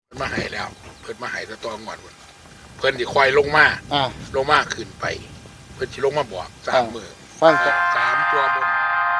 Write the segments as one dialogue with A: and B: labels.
A: มาให้แล้วเพิ่นมาให้ตะตองก่อนเพิ่นสิคอยลงมาขึ้นไปเพิ่นสิลงมาบอก3 มื้อ
B: ฟัง
A: 3 ตัวบน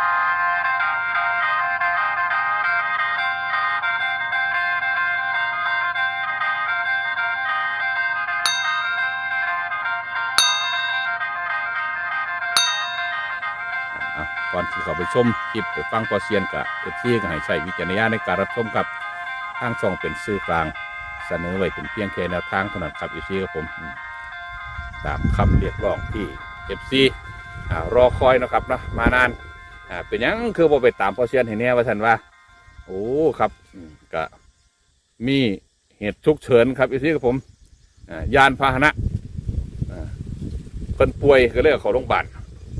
C: ก่อนที่เขาไปชมคลิปไปฟังพอเซียนกับเอฟซีก็ให้ใช้วิจารณญาณในการรับชมกับทางช่องเป็นสื่อกลางเสนอไว้เป็นเพียงแค่แนวทางเท่านั้นครับเอฟซีกับผมตามคำเรียกร้องที่เอฟซีรอคอยนะครับนะมานานเป็นยังคือบ่ไปตามพอเซียนเห็นแน่ว่าท่านว่าโอ้ครับก็มีเหตุฉุกเฉินครับเอฟซีกับผมยานพาหนะเพิ่นป่วยก็เลยเขาโรงพยาบาล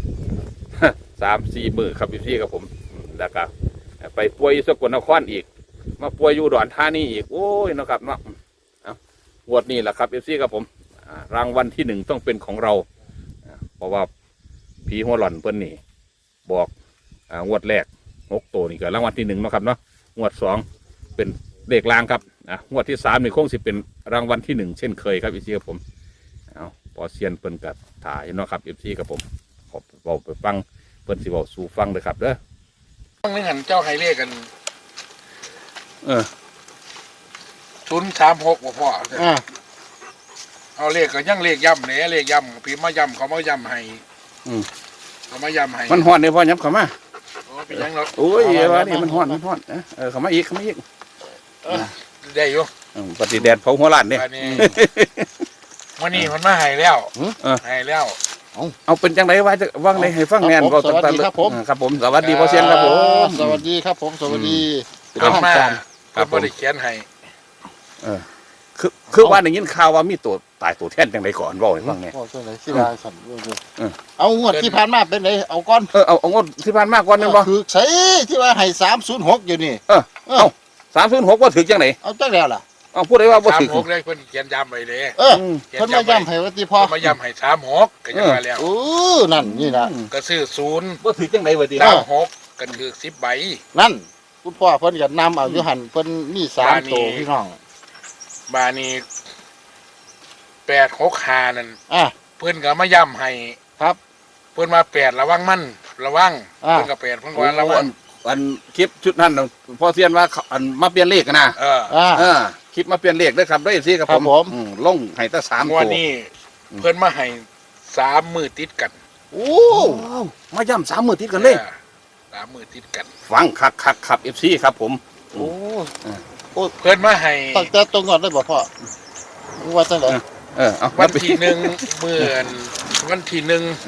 C: 3-4 มื้อครับพี่กับผมแล้วก็ไปป่วยสกลนครอีกมาป่วยอยู่อุดรธานีอีกโอ้ยนะครับเนาะงวดนี้แหละครับพี่กับผมรางวัลที่1ต้องเป็นของเราเพราะว่าผีหัวหล่อนเพิ่นนี่บอกงวดแรก6 ตัวนี่ก็รางวัลที่1นะครับเนาะงวด2เป็นเลขลางครับงวดที่3นี่คงสิเป็นรางวัลที่1เช่นเคยครับพี่กับผมพอเซียนเพิ่นกัดถ่ายเนาะครับพี่กับผมขอบอกไปฟังเพิ่นสิบอกสู่ฟังเลยครับเด้อ
A: ฟังนึงหันเจ้าให้เลขกัน036บ่พอเอาเลขก็ยังเลขย่ำแหน่เลขย่ำพี่มาย่ำเขามาย่ำให้เขามาย่ำให้
C: มันฮ้อนเด้อพ่อย้ำเข้ามา
A: โอ้เป็นยังเนาะ
C: โอ้ยว่านี่มันฮ้อนเข้ามาอีก
A: ได้อยู่
C: ปฏิแดดเผาหัวล้านเด้
A: วันนี้มันมาให้แล้วให้แล้ว
C: เอาเป็นจังไรว่าจะว่างในให้ฟังแน่น
B: สวัสดีครับผม
C: ครับผมสวัสดีพ่อเซียนครับผม
B: สวัสดีครับผมสวัสดี
A: ครับมาครับบริเขียนให้
C: คือว่าได้ยินข่าวว่ามีตัวตายตัวแทนจังไรก่อนบอกให้ฟังแน่
B: ที่ว่าสั่นเอางวดที่ผ่านมาเป็นไรเอาก้อน
C: เอางวดที่ผ่านมาก่อนนึงบ่
B: คือใช่ที่ว่าให้306อยู่นี่
C: เอา306ว่าถึงจังไหน
B: เอาจังแล้วล่ะ
C: เอาพูดได้ว่าบ่ถึง
A: 36ได้เพิ่นเขียนย้ำไว้เลย
B: เพิ่นมาย้ำให้ว่าติพ่อ
A: มาย้ำให้36ก็ยังว่าแล้ว
B: นั่นนี่ล่ะ
A: ก็ซื้อ0
C: บ่ถึงจังได๋ว่าติ
A: 36ก็คือ10 ใบ
B: นั่นคุณพ่อเพิ่นก็นำเอาอยู่หั่นเพิ่นมี3ตัวพี่น้อง
A: บานี้865นั่นเพิ่นก็มาย้ำให้
B: ครับ
A: เพิ่นมา8ระวังมันระวังเพิ่นก็8เพิ่นว่าระวัง
C: อันคลิปชุดนั้นพ่อเซียนว่าอันมาเปลี่ยนเลขนะคลิปมาเปลี่ยนเลขด้วยครับด้วยสิครับผมลงให้ตั้ง3 ตัว
A: วันนี้เพิ่นมาให้3 มื้อติดกัน
C: โอ้มาย่ำ3 มื้อติดกันเลย
A: 3 มื้อติดกัน
C: ฟังคักครับ FC ครับผม
B: โอ้
A: เพิ่นมาให้
B: ตั้งแต่ตรงก่อนได้บ่พ่อว่าจังได๋
A: วันที่1มื้อวันที่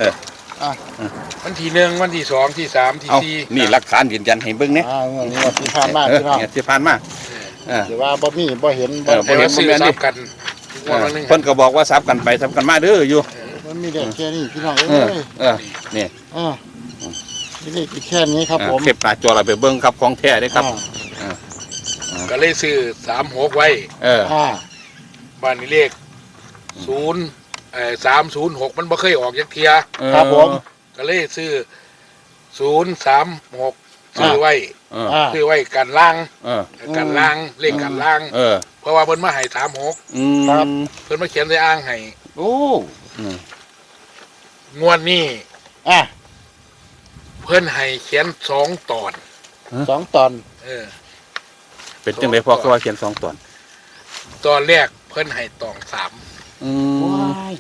A: 1วันที่1วันที่2ที่3ที่4
C: นี่หลักฐานยืนยันให้เบิ่งเนี่ย
B: นี่ว่าที่ผ่านมาพี่น้อง
C: ที่ผ่านมา
B: แต่ว่าบ่มีบ่เห็น
A: บ่เห็นซื้อซับกัน
C: เพิ่นก็บอกว่าซับกันไปซับกันมาเด้ออยู่
B: มันมีแต่แค่นี้พี่น้องเอ้ย
C: นี่
B: นี่แค่นี้ครับผม
C: เก็บหน้าจอเราไปเบิ่งครับของแท้เด้ครับ
A: ก็เลยซื้อ36ไว้บ้านนี้เลข306มันบ่เคยออกจักเที่ย
B: ครับผม
A: ก็เลยซื้อ036ซื้อไว้กันล่างกันล่างเลขกันล่างเพราะว่าเพิ่นมาให้36
B: ครับ
A: เพิ่นมาเขียนใส่อ่างให้
B: โอ้
A: งวดนี้เพิ่นให้เขียน2 ตอน
B: 2 ตอน
C: เป็นจังได๋พอก็ว่าเขียน2 ตอน
A: ตอนแรกเพิ่นให้ตอง3
B: ว้าย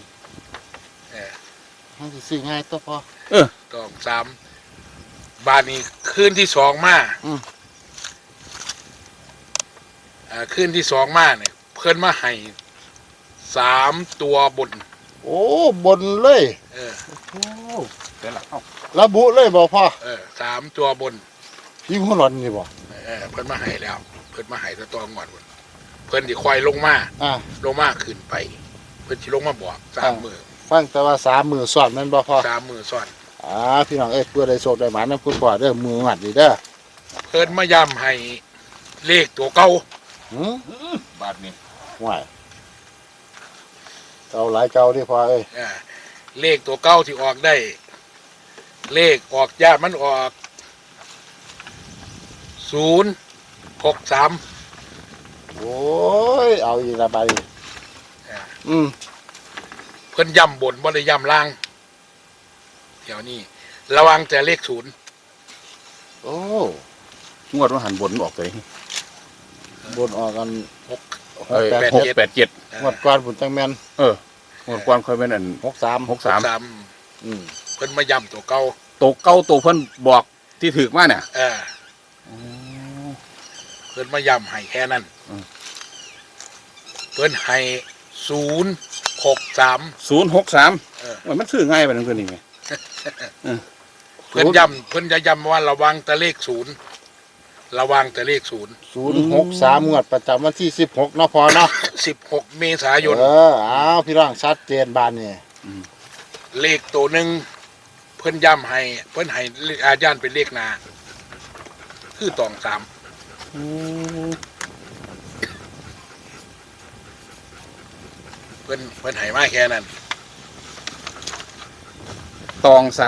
B: มันสิซื้อง่ายตัวพอ
A: ตอง3บาดนี้คืนที่2มาคืนที่2มาเนี่ยเพิ่นมาให้3 ตัวบน
B: โอ้บนเลย
C: โอ้เดี๋ยวล่ะ
B: ระบุเลยบ่พ่อ
A: 3 ตัวบน
B: พี่หัวหลอนนี่บ่
A: เพิ่นมาให้แล้วเพิ่นมาให้ตะตองก่อนเพิ่นสิคอยลงมาขึ้นไปเพิ่นสิลงมาบอก3 มื้อ
B: ฟังแต่ว่า3 มื้อซ้อนแม่นบ่พ่อ
A: 3 มื้อซ้อน
B: พี่น้องเพื่อได้โชคได้หมานำคุณพ่อเด้อมือหมัดนี่เด้อ
A: เพิ่นมาย้ำให้เลขตัวเก่าบาดนี้
B: ว้ายเก่าหลายเก่าดิพ่อ
A: เลขตัวเก่าที่ออกได้เลขออกญาติมันออก063
B: โอ้ยเอาอีกละไป
A: เพิ่นย่ำบนบ่ได้ย่ำล่างเดี๋ยวนี้ระวังแต่เลขศูนย์
B: โอ้
C: งวดว่าหันบนออกเลย
B: บนออกกัน
A: หก
C: 687
B: งวดก่อนผมจังแม่น
C: งวดก่อนค่อยเป็นอัน
B: 63
C: 63
A: สาม เพิ่นมาย่ำตัวเก่า
C: ตัวเก่าตัวเพิ่นบอกที่ถือมาเนี่ย
A: เพิ่นมาย่ำให้แค่นั้น เพิ่นให้063
C: 063มันซื้อง่ายไปนั่นคือนี่ไง
A: เพิ่นจะย้ำว่าระวังแต่เลขศูนย์ระวังแต่เลขศูนย์
B: 063งวดประจำวันที่16เนาะพอเนาะ
A: 16 เมษายน
B: เอาพี่น้องชัดเจนบานนี่
A: เลขตัวหนึ่งเพิ่นย้ำให้เพิ่นให้อาจารย์เป็นเลขหนาคือตอง3เพิ่นให้มาแค่นั้น
C: ตอง3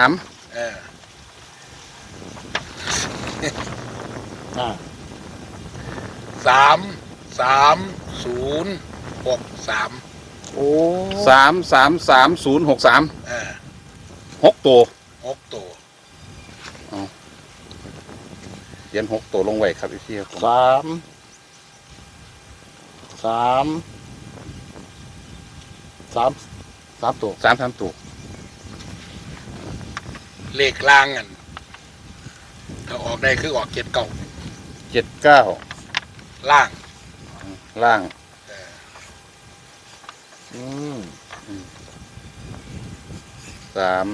B: โอ้
C: 3333063 6ตัว
A: 6 ตัว
C: เขียน6ตัวลงไว้ครับอีกทีครับผม
B: 3 ตัว
C: 3ตัว
A: เลขล่างอันถ้าออกได้คือออก
C: 79
A: 79ล่าง
C: ล่าง 3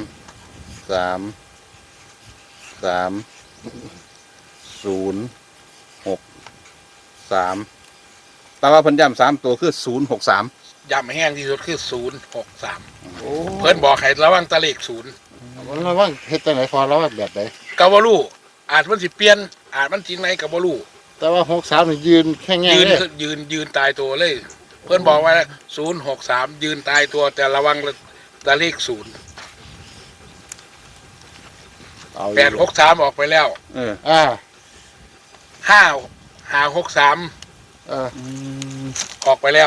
C: 0 6 3แต่ว่าเพิ่นย้ำ3ตัวคือ063
A: ย้ำแห้งที่สุดคือ063
B: โอ้
A: เพิ่นบอกให้ระวังแตะเลขศูนย์
B: มันระวังเฮ็ดจังไหนพอระวังแบบไหน
A: กาวาลูอาจมันสิเปลี่ยนอาจมันจริงไหนกาวาลู
B: แต่ว่า63นี่ยืนแค่แง่
A: ยืน
B: เลย
A: ยืนตายตัวเลย เพื่อนบอกว่า063ยืนตายตัวแต่ระวังแต่เลขศูนย์
B: เอา
A: 863ออกไปแล้ว 563ออกไปแล้ว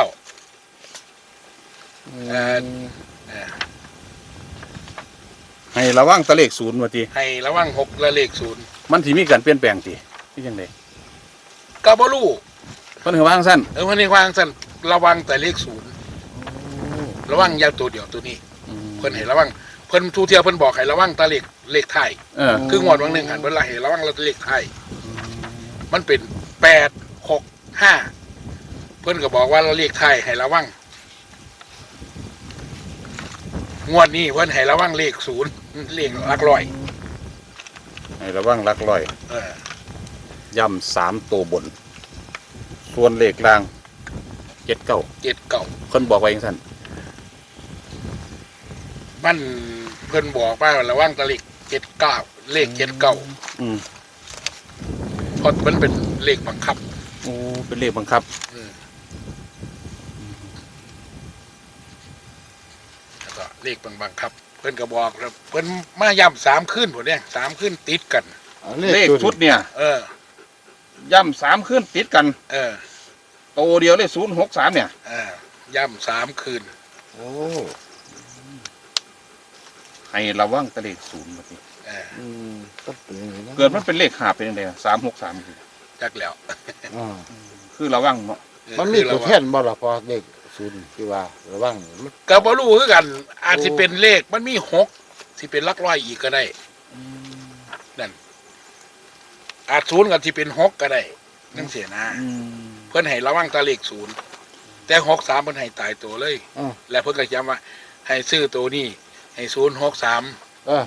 C: ให้ระวังแตะเลข0ว่าติ
A: ให้ระวัง6และเลขศูนย์
C: มันสิมีการเปลี่ยนแปลงติคือจังได๋
A: กาวาลู
C: เพิ่นให้วางซั่น
A: เพิ่นให้วางสั่นระวังแต่เลขศูนย์ระวังอยาตัวเดียวตัวนี้ เพิ่นให้ระวังเพิ่นทูเทียเพิ่นบอกให้ระวังแต่เลขไทาย คืองวดวันหนึ่งหันเวลาเห็นระวังเราเลขไทยมันเป็น865เพื่อนก็บอกว่าเราเลขไทยให้ระวังงวดนี้เพื่อนให้ระวังเลข0เลขหลักร้อย
C: ให้ระวังหลักร้อยย่ำ3ตัวบน ส่วนเลขล่าง79
A: 79
C: เพิ่นบอกไว้จังซั่น
A: มันเพื่อนบอกว่าระวังแตะเลข79เลข79เพราะมันเป็นเลขบังคับ
C: โอ้เป็นเลขบังคับ
A: แล้วก็เลขบังคับ เพื่อนก็บอกแล้วเพื่อนมาย้ำ3ขึ้นผมเนี่ย3ขึ้นติดกัน
C: เลขชุดเนี่ยย่ำ3ขึ้นติดกันโตเดียวเลย063เนี่ย
A: ย่ำ3คืน
B: โอ้
C: ให้ระวังแตะเลข0ว่าติ
B: ต้องเป็นอย่างนี้นะ
C: เกิดมันเป็นเลขหาบเป็นจังได๋363คือ
A: จักแล้ว
C: คือระวังเนาะ
B: มันมีตัวแทนบ่ล่ะพอเลข0ที่ว่าระวังมัน
A: ก็บ่รู้คือกัน อาจสิเป็นเลขมันมี6สิเป็นหลักร้อยอีกก็ได้นั่นอาจ0ก็สิเป็น6ก็ได้นั่นเสียนะเพิ่นให้ระวังแตะเลข0แต่63เพิ่นให้ตายตัวเลยและเพิ่นก็ย้ำว่าให้ซื้อตัวนี้ให้063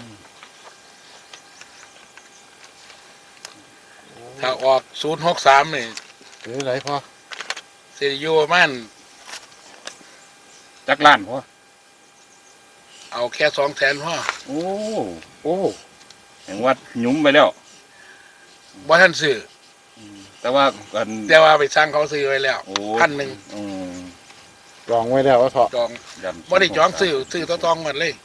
A: ถ้าออก063นี่
B: หรือไหนพอ
A: สิอยู่ประมาณ
C: จักล้านพอ
A: เอาแค่200,000พอ
C: โอ้
B: โอ้
C: แห่งว่าหยุ้มไปแล้ว
A: บ่ทันซื้อ
C: แต่ว่ากัน
A: แต่ว่าไปสร้างเขาซื้อไว้แล้ว1,000
B: ลองไว้แล้วว่าเถาะ
A: จองบ่ได้จองซื้อต้องมันเลย